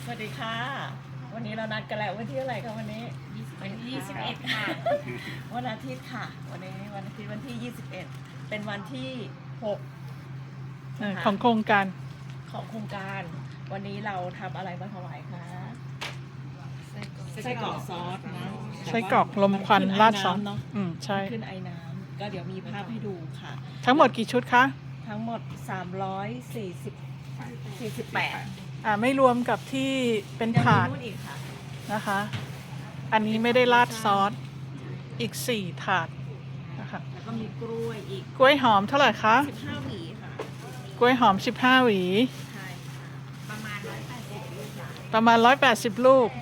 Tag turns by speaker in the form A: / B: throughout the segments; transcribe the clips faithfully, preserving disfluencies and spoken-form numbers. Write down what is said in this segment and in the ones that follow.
A: วัสดีค่ะวันนี้เรานัดกันแล้ววันที่อะไรคะวันนี้
B: ยี่สิบเอ็ดค่ะ
A: วันอาทิตย์ค่ะวันนี้วันอาทิตย์วันที่ยี่สิบเอ็ดเป็นวันที่หก
C: เออของโครงการ
A: ของโครงการวันนี้เราทำอะไรมาถวายคะไส้กรอกซอสนะ
C: ไส้กรอกลมควันราดซอส
A: เนาะ
C: อืมใช่
A: ขึ้นไอ้น้ำก็เดี๋ยวมีภาพให้ดูค่ะ
C: ทั้งหมดกี่ชุดคะ
A: ทั้งหมดสามร้อยสี่สิบ สี่สิบแปด
C: อ่าไม่รวมกับที่เป็นถาด
A: ยังมีนู่นอีกค่ะ
C: นะคะ อันนี้ไม่ได้ราดซอสอีกสี่ถาดนะคะ
A: แล้วก็มีกล้วยอีก
C: กล้วยหอมเท่าไหร่คะ
A: สิบห้าหวีค่ะ
C: กล้วยหอมสิบห้าหวี
A: ใช่ค่ะประมาณร้อยแปดสิบลูกค่ะ
C: ประมาณร้อยแปดสิบลูก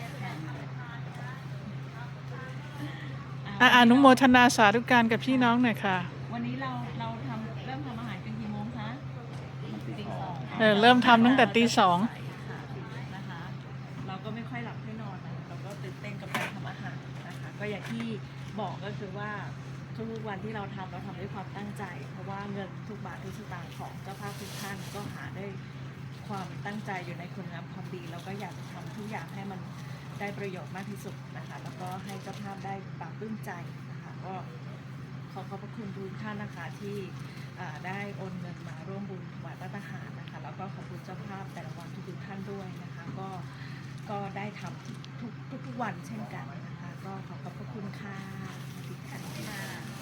C: อ่ะอนุโมทนาสาธุการกับพี่น้องหน่อยค่ะ
A: วันนี้เราเราทำเริ่มทำอาหารกันกี่โมงคะตีสอง
C: เออเริ่มทำตั้งแต่ตีสอง
A: ค่ะนะคะเราก็ไม่ค่อยหลับไม่นอนนะเราก็ตื่นเต้นกับการทำอาหารนะคะก็อย่างที่บอกก็คือว่าทุกๆวันที่เราทำเราทำด้วยความตั้งใจ เพราะว่าเงินทุกบาททุกสตางค์ของเจ้าภาพทุกท่านก็หาได้ความตั้งใจอยู่ในคุณงามความดีแล้วก็อยากจะทำทุกอย่างให้มันได้ประโยชน์มากที่สุดนะคะแล้วก็ให้เจ้าภาพได้ปรับปลื้มใจนะคะก็ขอขอบพระคุณทุกท่านนะคะที่อ่าได้โอนเงินมาร่วมบุญถวายพระทหารนะคะแล้วก็ขอบคุณเจ้าภาพแต่ละวันทุกๆท่านด้วยนะคะก็ก็ได้ทำทุกทุกทุกวันเช่นกันนะคะก็ขอขอบพระคุณค่ะสวัสดีค่ะ